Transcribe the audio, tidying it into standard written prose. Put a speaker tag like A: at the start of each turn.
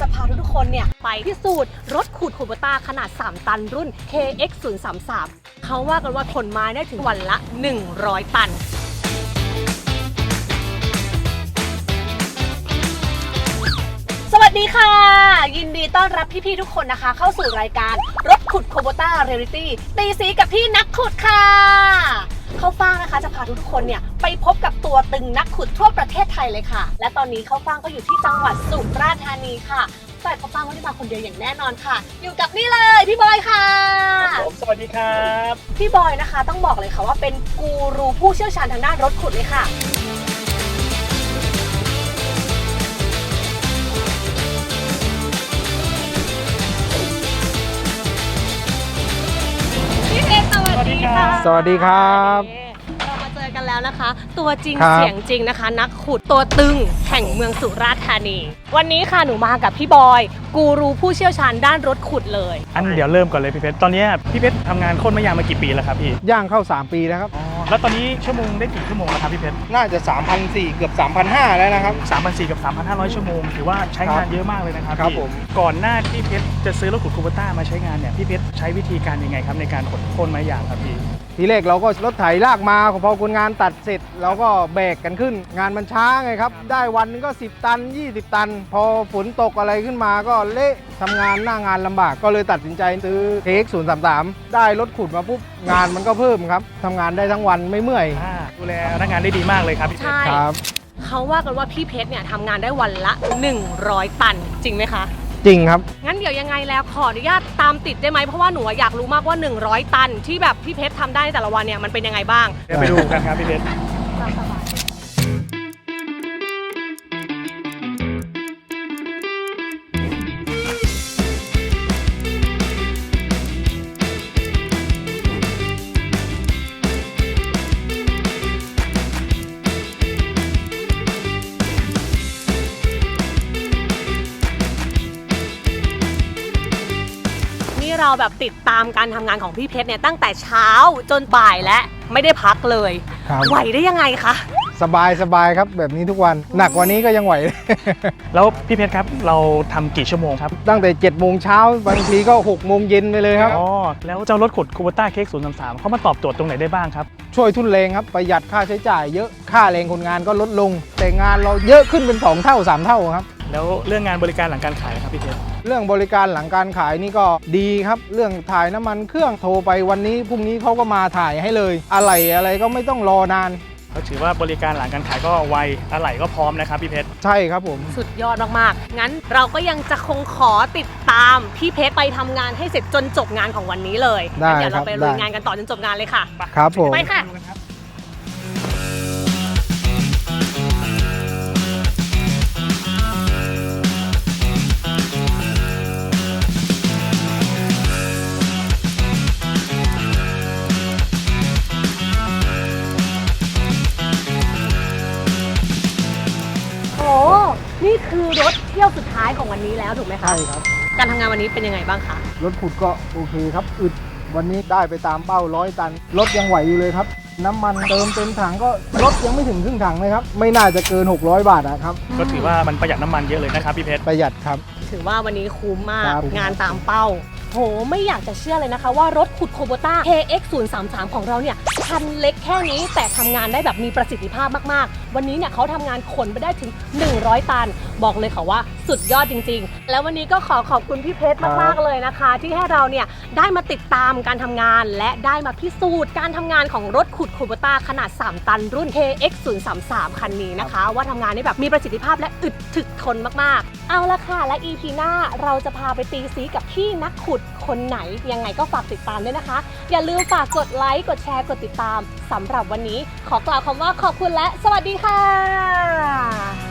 A: จะพาทุกคนเนี่ยไปพิสูจน์รถขุดคูโบต้าขนาด3ตันรุ่น KX 033เขาว่ากันว่าขนไม้ได้ถึงวันละ100ตันสวัสดีค่ะยินดีต้อนรับพี่ๆทุกคนนะคะเข้าสู่รายการรถขุดคูโบต้าเรียลิตี้ตีสีกับพี่นักขุดค่ะเข้าฟ่างนะคะจะพาทุกคนเนี่ยไปพบกับตัวตึงนักขุดทั่วประเทศไทยเลยค่ะและตอนนี้เข้าฟ่างก็อยู่ที่จังหวัดสุราษฎร์ธานีค่ะแต่เข้าฟ่างไม่ได้มาคนเดียวอย่างแน่นอนค่ะอยู่กับนี่เลยพี่บอยค่ะ
B: ผมสวัสดีครับ
A: พี่บอยนะคะต้องบอกเลยค่ะว่าเป็นกูรูผู้เชี่ยวชาญทางด้านรถขุดเลยค่ะ
B: สวัสดีค่ะ
C: สวัสดีครับ
A: เรามาเจอกันแล้วนะคะตัวจริง
C: ครับ
A: เสียงจริงนะคะนักขุดตัวตึงแห่งเมืองสุราษฎร์ธานีวันนี้ค่ะหนูมากับพี่บอยกูรูผู้เชี่ยวชาญด้านรถขุดเลย
B: เดี๋ยวเริ่มก่อนเลยพี่เพชรตอนนี้พี่เพชรทำงานโค่นไม้ยางมากี่ปีแล้วครับพี่
C: ย่างเข้า3 ปีแล้วครับ
B: แล้วตอนนี้ชั่วโมงได้กี่ชั่วโมงแล้วครับพี่เพชร
C: น่าจะ 3,400 เกือบ 3,500 แล้วนะครับ
B: 3,400 กับ 3,500 ชั่วโมงถือว่าใช้งานเยอะมากเลยนะครับ
C: ครับผม
B: ก่อนหน้าที่เพชรจะซื้อรถขุดคูโบต้ามาใช้งานเนี่ยพี่เพชรใช้วิธีการยังไงครับในการขนโค่นไม้ยางครับพี่
C: ทีแรกเราก็รถไถลากมาพอคนงานตัดเสร็จเราก็แบกกันขึ้น งานมันช้าไงครับได้วันนึงก็10 ตัน 20 ตัน พอฝนตกอะไรขึ้นมาก็เละทำงานหน้างานลำบากก็เลยตัดสินใจซื้อ KX 033ได้รถขุดมาปุ๊บงานมันก็เพิ่มครับทำงานได้ทั้งวันไม่เมื่อย
B: ดูแลพนักงานได้ดีมากเลยครับพี่เพชร
A: ใช่
C: ครับ
A: เขาว่ากันว่าพี่เพชรเนี่ยทำงานได้วันละ100 ตันจริงไหมคะ
C: จริงครับ
A: งั้นเดี๋ยวยังไงแล้วขออนุญาตตามติดได้ไหมเพราะว่าหนูอยากรู้มากว่า100 ตันที่แบบพี่เพชรทำได้ในแต่ละวันเนี่ยมันเป็นยังไงบ้าง
B: เดี๋ยวไปดูกันครับพี่เพชร
A: เราแบบติดตามการทำงานของพี่เพชรเนี่ยตั้งแต่เช้าจนบ่ายและไม่ได้พักเลยไหวได้ยังไงคะ
C: สบายครับแบบนี้ทุกวันหนักกว่านี้ก็ยังไหว
B: แล้วพี่เพชรครับเราทำกี่ชั่วโมงครับ
C: ตั้งแต่7 โมงเช้าบางทีก็6 โมงเย็นไปเลยครับ
B: แล้วเจ้ารถขุดคูโบต้า KX 033เขามาตอบโจทย์ตรงไหนได้บ้างครับ
C: ช่วยทุนแรงครับประหยัดค่าใช้จ่ายเยอะค่าแรงคนงานก็ลดลงแต่งานเราเยอะขึ้นเป็น2 เท่า 3 เท่าครับ
B: แล้วเรื่องงานบริการหลังการขายครับพี่เพชร
C: เรื่องบริการหลังการขายนี่ก็ดีครับเรื่องถ่ายน้ำมันเครื่องโทรไปวันนี้พรุ่งนี้เขาก็มาถ่ายให้เลยอะไรก็ไม่ต้องรอนาน
B: เขาถือว่าบริการหลังการขายก็ไวอะไหล่ก็พร้อมนะครับพี่เพชร
C: ใช่ครับผม
A: สุดยอดมากๆงั้นเราก็ยังจะคงขอติดตามพี่เพชรไปทำงานให้เสร็จจนจบงานของวันนี้เลยเดี๋ยวเราไปลุยงานกันต่อจนจบงานเลยค่ะ
C: ครับผม
A: ไปค่ะนี่คือรถเที่ยวสุดท้ายของวันนี้แล้วถูกไหมคะ
C: ใช่ครับ
A: การทำงานวันนี้เป็นยังไงบ้างคะ
C: รถขุดก็โอเคครับอึดวันนี้ได้ไปตามเป้า100 ตันรถยังไหวอยู่เลยครับน้ำมันเติมเต็มถังก็รถยังไม่ถึงครึ่งถังเลยครับไม่น่าจะเกิน600 บาทนะครับ
B: ก็ถือว่ามันประหยัดน้ำมันเยอะเลยนะครับพี่เพชร
C: ประหยัดครับ
A: ถือว่าวันนี้คุ้มมากงานตามเป้าโหไม่อยากจะเชื่อเลยนะคะว่ารถขุดคูโบต้า KX 033ของเราเนี่ยคันเล็กแค่นี้แต่ทำงานได้แบบมีประสิทธิภาพมากๆวันนี้เนี่ยเขาทำงานขนไปได้ถึง100 ตันบอกเลยค่ะว่าสุดยอดจริงๆแล้ววันนี้ก็ขอบคุณพี่เพชรมากๆเลยนะคะที่ให้เราเนี่ยได้มาติดตามการทำงานและได้มาพิสูจน์การทำงานของรถขุดคูโบต้าขนาด3 ตันรุ่น KX 033คันนี้นะคะว่าทำงานได้แบบมีประสิทธิภาพและอึดถึกทนมากๆเอาละค่ะและ EP หน้าเราจะพาไปตีสีกับพี่นักขุดคนไหนยังไงก็ฝากติดตามด้วยนะคะอย่าลืมฝากกดไลค์กดแชร์กดติดตามสำหรับวันนี้ขอกล่าวคำว่าขอบคุณและสวัสดีค่ะ